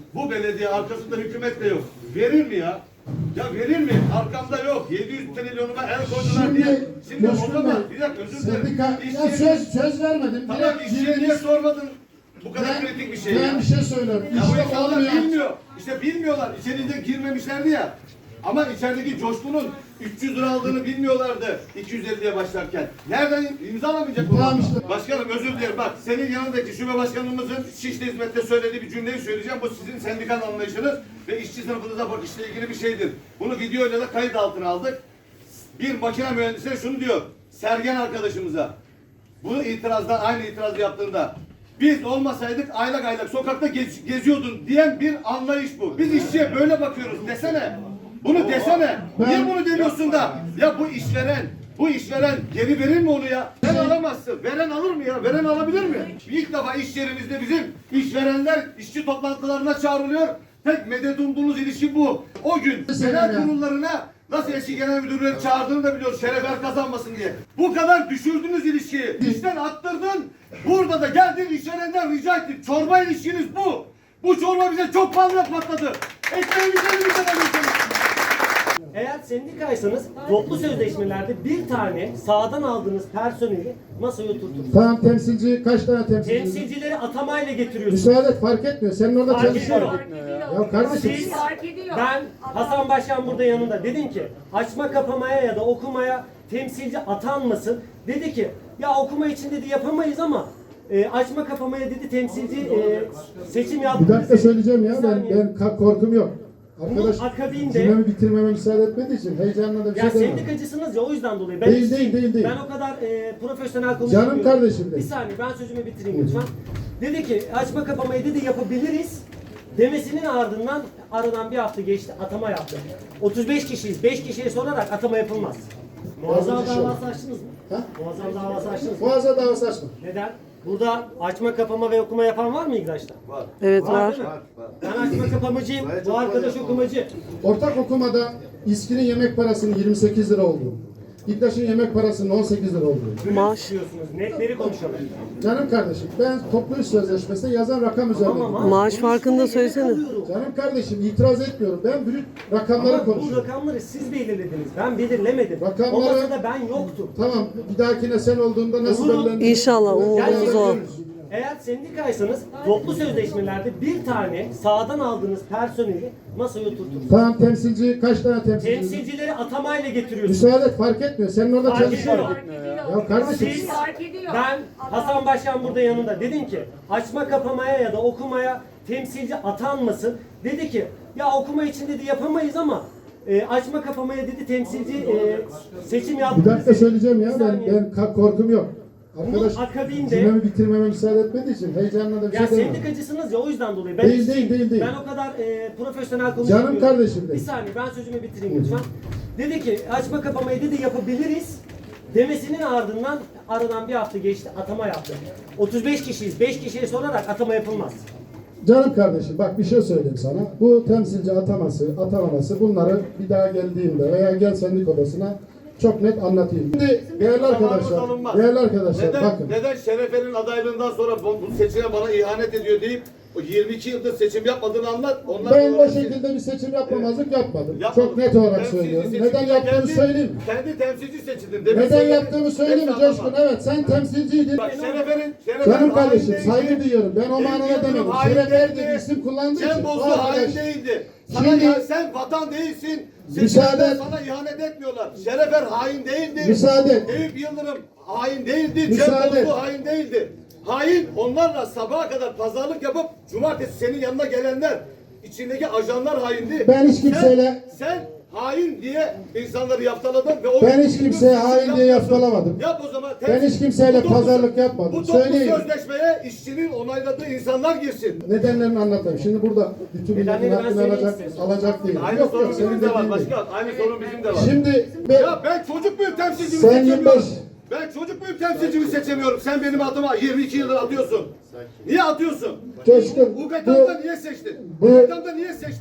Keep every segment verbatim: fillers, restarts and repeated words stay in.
Bu belediye arkasında hükümet de yok. Verir mi ya? Ya verir mi? Arkamda yok. yedi yüz trilyonuma el koydular diye. Şimdi o zaman bir dakika özür dilerim. Sendika, ya İşçiye- söz, söz vermedim. Tamam Direkt işçiye niye girdiniz. sormadın? Bu kadar Ben, kritik bir şey ben ya. bir şey söylüyorum. Ya bu İşte insanlar olmuyor. bilmiyor. İşte bilmiyorlar. İçeride girmemişlerdi ya. Ama içerideki coşkunun üç yüz lira aldığını bilmiyorlardı iki yüz elliye başlarken. Nereden imzalamayacak bu? Tamam işte. Başkanım özür dilerim. Bak senin yanındaki şube başkanımızın Şişli Hizmet'te söylediği bir cümleyi söyleyeceğim. Bu sizin sendikal anlayışınız ve işçi sınıfınıza bakışla ilgili bir şeydir. Bunu videoyla da kayıt altına aldık. Bir makine mühendisine şunu diyor. Sergen arkadaşımıza. Bunu itirazdan aynı itirazı yaptığında biz olmasaydık aylak aylak sokakta gez, geziyordun diyen bir anlayış bu. Biz işçiye böyle bakıyoruz desene. Bunu desene. Niye bunu demiyorsun da? Ya bu işveren, bu işveren geri verir mi onu ya? Sen alamazsın. Veren alır mı ya? Veren alabilir mi? İlk defa iş yerimizde bizim işverenler işçi toplantılarına çağrılıyor. Tek medet umduğumuz ilişki bu. O gün genel kurullarına nasıl eski genel müdürleri çağırdığını da biliyoruz. Şerefer kazanmasın diye. Bu kadar düşürdünüz ilişkiyi. İşten attırdın. Burada da geldin işverenden rica ettin. Çorba ilişkiniz bu. Bu çorba bize çok fazla patladı. Ekmeğimizi elimizden alıyorsunuz. Eğer sendikaysanız toplu sözleşmelerde bir tane sağdan aldığınız personeli masaya oturtursunuz. Tamam temsilci kaç tane temsilci? Temsilcileri atamayla getiriyorsunuz. Müsaade et, fark etmiyor. Senin orada Fark çalışıyorsun. ediyor. Ya kardeşim. Siz, Fark ediyor. ben Hasan Başkan burada yanında dedim ki açma kapamaya ya da okumaya temsilci atanmasın. Dedi ki ya okuma için dedi yapamayız ama e, açma kapamaya dedi temsilci e, seçim yaptı. Bir dakika söyleyeceğim ya. Bir Ben, saniye. ben ka- korkum yok. Arkadaş Bunun akabinde- cümlemi bitirmeme müsaade etmediği için heyecanla da bir Ya şey demem. sendikacısınız ya o yüzden dolayı. Ben Değil, işçiyim. değil, değil, değil. Ben o kadar e, profesyonel konuşmuyorum. Canım kardeşim Bir benim. saniye ben sözümü bitireyim lütfen. Dedi ki açma kapamayı dedi yapabiliriz. Demesinin ardından aradan bir hafta geçti atama yaptı. otuz beş kişiyiz. beş kişiye sorarak atama yapılmaz. Muazzam Yazıcı şey davası açtınız mı? Ha? Muazzam davası açtınız mı? Boğaza davası açma. Neden? Burada açma kapama ve okuma yapan var mı İGDAŞ'ta? Var. Evet var. Değil mi? Ben açma kapamacıyım. Bu arkadaş okumacı. Ortak okumada İSKİ'nin yemek parasının yirmi sekiz lira olduğu, İGDAŞ'ın yemek parasının on sekiz lira olduğu. Maaş. Diyorsunuz. Netleri konuşalım. Canım kardeşim ben toplu iş sözleşmesinde yazan rakam üzerinde. Ama Maaş farkını da söylesene. Canım kardeşim itiraz etmiyorum. Ben brüt rakamları Ama bu konuşuyorum. rakamları siz belirlediniz. Ben belirlemedim. Rakamları- O masada ben yoktum. Tamam bir dahakine sen olduğunda nasıl Olur. belirlenir? İnşallah umudumuz o. Eğer sendikaysanız toplu sözleşmelerde bir tane sağdan aldığınız personeli masaya oturtursunuz. Tamam temsilci kaç tane temsilci? Temsilcileri atamayla getiriyorsunuz. Müsaade et, fark etmiyor. Senin orada Fark çalışıyorsun. ediyor. Fark ediyor. Ya kardeşim. Siz, Fark ediyor. ben Hasan Başkan burada yanında dedim ki açma kapamaya ya da okumaya temsilci atanmasın. Dedi ki ya okuma için dedi yapamayız ama e, açma kapamaya dedi temsilci e, seçim yaptı. Bir dakika söyleyeceğim ya. Bir Ben, saniye. ben ka- korkum yok. Arkadaş Bunun akabinde- cümlemi bitirmeme müsaade etmediği için heyecanla da bir Ya şey demem. sendikacısınız ya o yüzden dolayı. Ben Değil, işçiyim. değil, değil, değil. Ben o kadar e, profesyonel konuşmuyorum. Canım kardeşim Bir benim. saniye ben sözümü bitireyim lütfen. Dedi ki açma kapamayı dedi yapabiliriz. Demesinin ardından aradan bir hafta geçti atama yaptı. otuz beş kişiyiz. beş kişiye sorarak atama yapılmaz. Canım kardeşim bak bir şey söyleyeyim sana. Bu temsilci ataması, atamaması bunları bir daha geldiğimde veya gel sendik odasına çok net anlatayım. Şimdi değerli arkadaşlar, alınmaz. değerli arkadaşlar Neden, bakın. neden Şerefe'nin adaylığından sonra bu, bu seçime bana ihanet ediyor deyip o yirmi iki yıldır seçim yapmadığını anlat. Onlar Ben sonra o şekilde bir seçim yapmamazlık yapmadım. yapmadın. Çok net olarak Temsilci söylüyorum. seçimde Neden yaptığımı kendi- söyleyeyim. Kendi temsilci seçildin. Demin Neden söyledin. yaptığımı söyleyeyim mi Hepsi Coşkun? anlamaz. Evet sen temsilciydin. Bak Şerefe'nin, Şerefe'nin Canım kardeşim hain saygı değildi. duyuyorum. Ben o Eyüp manada Yıldırım demedim. hain Şerefer değildi. diye bir isim kullandığı Cem için. Bozdu o arkadaş- hain değildi. Sana Şimdi- ya, sen vatan değilsin. Müsaade Seçimde et. sana ihanet etmiyorlar. Şerefer hain değildi. Müsaade et. Eyüp Yıldırım hain değildi. Müsaade Cem et. Bozdu hain değildi. Hain onlarla sabaha kadar pazarlık yapıp cumartesi senin yanına gelenler içindeki ajanlar haindi. Ben hiç kimseyle- sen, sen hain diye insanları yaptaladın ve o Ben hiç kimseye hain diye yaftaladım. Yap o zaman. Ben hiç kimseyle Bu toplu- pazarlık yapmadım. Bu toplu Söyleyeyim. sözleşmeye işçinin onayladığı insanlar girsin. Nedenlerini anlatayım. Şimdi burada bütün milletin Nedenleri ben hakkını söyleyeyim alacak, size. alacak değil. Aynı Yok sorun yok senin bizim de var dediğin değil. başkan. Aynı sorun bizim de var. Şimdi ben, Ya ben çocuk muyum temsilcimi Sen seçemiyorum. yirmi beş. Ben çocuk muyum temsilcimi seçemiyorum. Sen benim adıma yirmi iki yıldır atıyorsun. Niye atıyorsun? Coşkun U G bu, K'da niye seçtin? bu- U G K'da niye seçtin?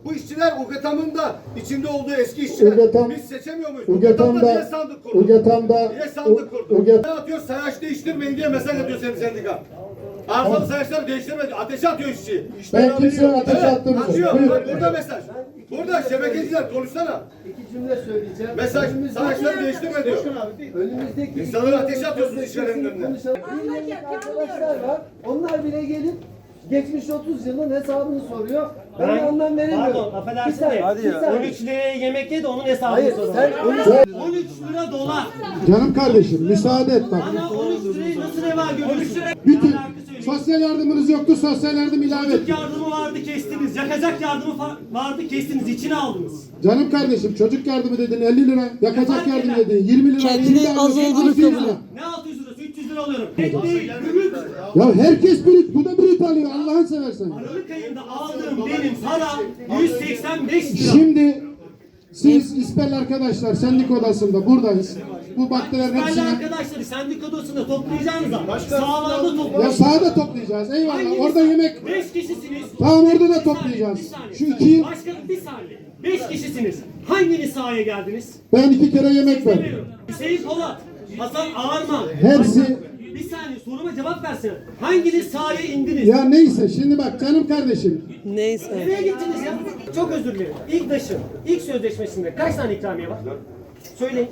Bu işçiler UGETAM'ın da içinde olduğu eski işçiler. UGETAM- Biz seçemiyor muyuz? UGETAM'da- niye sandık kurdu? UGETAM'da- Niye sandık kurdu? UGET- Ne atıyor? Sayaç değiştirmeyin diye mesaj atıyor senin sendika. Arızalı sayaçları değiştirme diyor. Ateşe atıyor işçiyi. Ben kimseye ateş attığımı yok. Atıyor. Buyurun. Bak burada mesaj. Burada şebekeciler konuşsana. İki cümle söyleyeceğim. Mesaj sayaçları değiştirme diyor. Önümüzdeki İnsanları ateşe atıyorsunuz işverenin önüne. konuşalım. Birlik arkadaşlar var. Onlar bile gelip geçmiş otuz yılın hesabını soruyor. Ben, de anlam veremiyorum. Pardon, affedersin Bir saniye, de bir saniye. on üç liraya yemek ye de onun hesabını Hayır, soralım. sen onu on üç lira dolar. Canım kardeşim müsaade et bak. Bana on üç lirayı nasıl reva görüyorsun? Bütün Ne alaka söyleyeyim? sosyal yardımınız yoktu, sosyal yardım ilave Çocuk ettik. yardımı vardı kestiniz. Yakacak yardımı fa- vardı kestiniz. İçine aldınız. Canım kardeşim çocuk yardımı dedin elli lira, yakacak yardım dedin yirmi lira. Kendini şimdi az alıyorsun olduğunu altı yüz kabul lira. et. Ne altı yüz lirası? üç yüz lira alıyorum. Tek değil, ürün. Ya herkes brüt, bu da brüt alıyor Allah'ın seversen. Aralık ayında aldığım benim para yüz seksen beş lira. Şimdi siz İspel arkadaşlar sendik odasında buradayız. Bu bakterilerin Değerli hepsini arkadaşları sendik odasında toplayacağınız zaman sağlarda ya toplayacağız. sahada toplayacağız. Eyvallah. Orada yemek. Beş kişisiniz. Tamam, orada da Bir saniye, toplayacağız. bir saniye. Şu iki- Başkanım bir saniye. Beş kişisiniz. Hanginiz sahaya geldiniz? Ben iki kere yemek verdim. Demiyorum. Hüseyin Polat, Hasan Ağarman. Hepsi- Bir saniye soruma cevap versene. Hanginiz sahaya indiniz? Ya neyse şimdi bak canım kardeşim. Neyse. Nereye gittiniz ya? Çok özür dilerim. İlk taşın, ilk sözleşmesinde kaç tane ikramiye var? Söyleyin.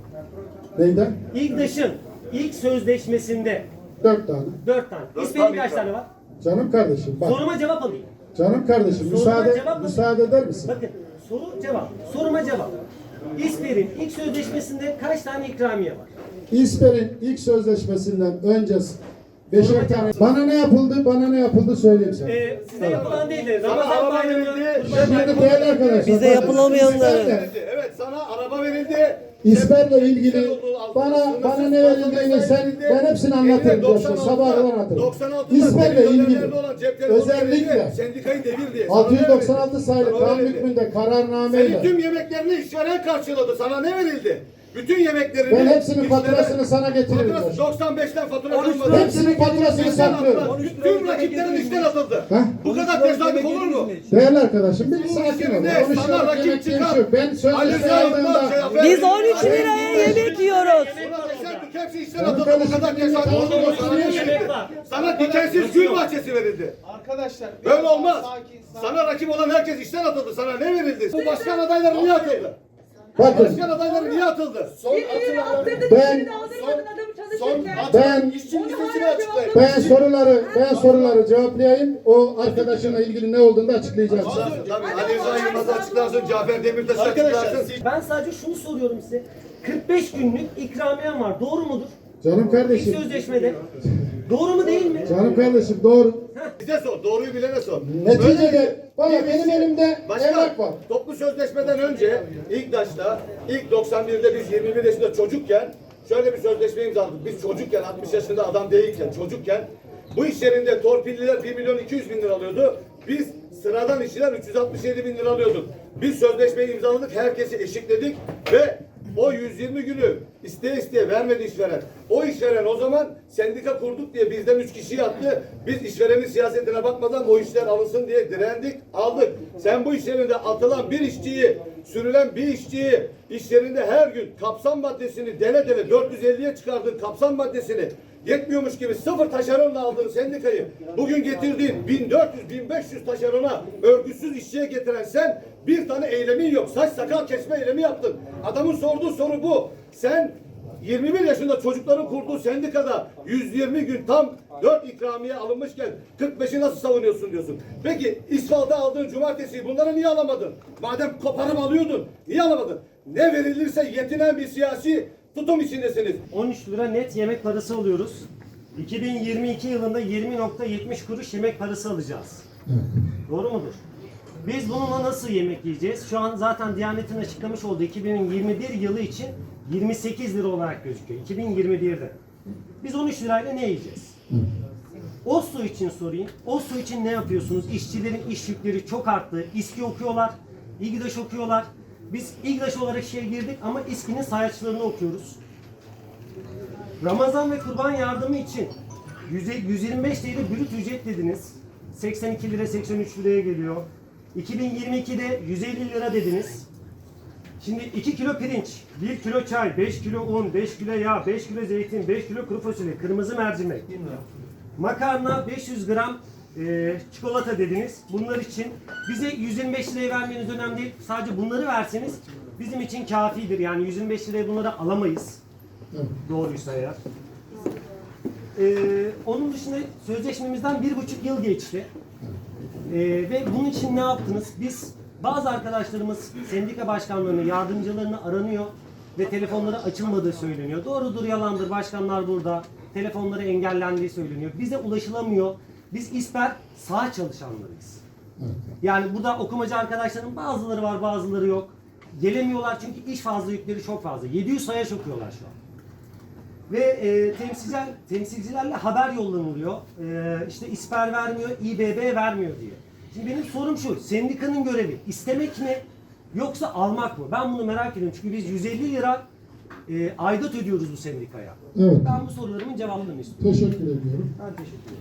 Neyden? İlk taşın, ilk sözleşmesinde Dört tane. dört tane. Dört İsmail'in tane kaç tane var? Canım kardeşim bak. Soruma cevap alayım. Canım kardeşim Soruma müsaade cevap- müsaade eder misin? Bakın soru cevap. Soruma cevap. İsper'in ilk sözleşmesinde kaç tane ikramiye var? İsper'in ilk sözleşmesinden önce beşer tane. Bana ne yapıldı? Bana ne yapıldı söyleyeyim sana. Ee, size yapılan değil de Sana Ramazan araba bayramı, verildi. Kurban Şimdi bayramı. değerli arkadaşlar. Bize bakın, yapılamayanları. İsper'le- Evet sana araba verildi. İsper'le ilgili bana bana ne verildiğini sen ben hepsini anlatırım diyorsun. Sabaha kadar anlatırım. İsper'le ilgili özellikle sendikayı devir diye. altı yüz doksan altı sayılı kanun hükmünde Senin kararnameyle tüm yemeklerini işveren karşıladı. Sana ne verildi? Bütün yemeklerini... ben hepsinin işveren- faturasını sana getiririm. Faturası diyorsun. doksan beşten fatura on üç kalmadı. Hepsinin faturasını İşten saklıyorum. attılar. Tüm rakiplerin işten atıldı. Heh. Bu kadar tesadüf olur mu? Değerli arkadaşım bir sakin ol. işlerinde on üç sana liralık rakip yemek diye bir çıkar. şey yok. Ben Ali sözleşme Rıza Yılmaz, aldığımda Cafer Biz Bey, on üç Ali liraya Bey, yemek yiyoruz. Buna tesadüf, hepsi işten Canım atıldı. Bu kardeşim, kadar benim tesadüf yemek olur mu? var. Sana ne Yemek verildi? var. Sana dikensiz gül bahçesi verildi. arkadaşlar Böyle olmaz. sakin, sakin. Sana rakip olan herkes işten atıldı. Sana ne verildi? Bu başkan adayları niye atıldı? bakın Başkan adayları niye atıldı? Birini attırdın, Ben- birini aldırmadın adamı çalışırken. ben İşçinin açıklayın. ben soruları ben soruları cevaplayayım. O arkadaşınla ilgili ne olduğunu da açıklayacağım. Tabii Ali Rıza Yılmaz'ı açıklarsın, Cafer Demirtaş'ı açıklarsın. Ben sadece şunu soruyorum size. kırk beş günlük ikramiyem var. Doğru mudur? Canım İlk kardeşim. sözleşmede. Doğru mu değil mi? Canım kardeşim doğru. Bize sor, doğruyu bilene sor. Neticede valla benim elimde Başka evrak var. toplu sözleşmeden önce ilk başta ilk doksan birde biz yirmi bir yaşında çocukken şöyle bir sözleşme imzaladık. Biz çocukken altmış yaşında adam değilken çocukken bu iş yerinde torpilliler bir milyon iki yüz bin lira alıyordu. Biz sıradan işçiler üç yüz altmış yedi bin lira alıyorduk. Biz sözleşmeyi imzaladık, herkesi eşitledik ve o yüz yirmi günü isteye isteye vermedi işveren. O işveren o zaman sendika kurduk diye bizden üç kişiyi attı. Biz işverenin siyasetine bakmadan o işler alınsın diye direndik, aldık. Sen bu iş yerinde atılan bir işçiyi, sürülen bir işçiyi iş yerinde her gün kapsam maddesini dele dele dört yüz elliye çıkardığın kapsam maddesini yetmiyormuş gibi sıfır taşeronla aldığın sendikayı bugün getirdiğin bin dört yüz bin beş yüz taşerona örgütsüz işçiye getiren sen bir tane eylemin yok. Saç sakal kesme eylemi yaptın. Adamın sorduğu soru bu. Sen yirmi bir yaşında çocukların kurduğu sendikada yüz yirmi gün tam dört ikramiye alınmışken kırk beşi nasıl savunuyorsun diyorsun. Peki İsval'da aldığın cumartesi bunları niye alamadın? Madem koparıp alıyordun niye alamadın? Ne verilirse yetinen bir siyasi tutum içindesiniz. on üç lira net yemek parası alıyoruz. iki bin yirmi iki yılında yirmi nokta yetmiş kuruş yemek parası alacağız. Doğru mudur? Biz bununla nasıl yemek yiyeceğiz? Şu an zaten Diyanet'in açıklamış olduğu iki bin yirmi bir yılı için yirmi sekiz lira olarak gözüküyor. iki bin yirmi birde. Biz on üç lirayla ne yiyeceğiz? OSSO için sorayım. OSSO için ne yapıyorsunuz? İşçilerin iş yükleri çok arttı. İSKİ okuyorlar, İGDAŞ okuyorlar. Biz İGDAŞ olarak işe girdik ama İSKİ'nin sayaçlarını okuyoruz. Ramazan ve Kurban yardımı için yüz yirmi beş lira brüt ücret dediniz. seksen iki lira seksen üç liraya geliyor. iki bin yirmi ikide yüz elli lira dediniz. Şimdi iki kilo pirinç, bir kilo çay, beş kilo un, beş kilo yağ, beş kilo zeytin, beş kilo kuru fasulye, kırmızı mercimek, makarna, beş yüz gram e, çikolata dediniz. Bunlar için bize yüz yirmi beş liraya vermeniz önemli değil. Sadece bunları verseniz bizim için kafidir. Yani yüz yirmi beş liraya bunları alamayız. Evet. Doğruysa eğer. Ee, onun dışında sözleşmemizden bir buçuk yıl geçti. Ee, ve bunun için ne yaptınız? Biz bazı arkadaşlarımız sendika başkanlarını, yardımcılarını aranıyor ve telefonları açılmadığı söyleniyor. Doğrudur, yalandır. Başkanlar burada. Telefonları engellendiği söyleniyor. Bize ulaşılamıyor. Biz İSPER sağ çalışanlarıyız. Evet. Yani burada okumacı arkadaşların bazıları var, bazıları yok. Gelemiyorlar çünkü iş fazla, yükleri çok fazla. yedi yüz sayaç okuyorlar şu an. Ve e, temsilciler, temsilcilerle haber yollanılıyor. E, işte İSPER vermiyor, İBB vermiyor diye. Şimdi benim sorum şu, sendikanın görevi istemek mi yoksa almak mı? Ben bunu merak ediyorum çünkü biz yüz elli lira e, aidat ödüyoruz bu sendikaya. Evet. Ben bu sorularımın cevabını istiyorum. Teşekkür ediyorum. Ben teşekkür ederim.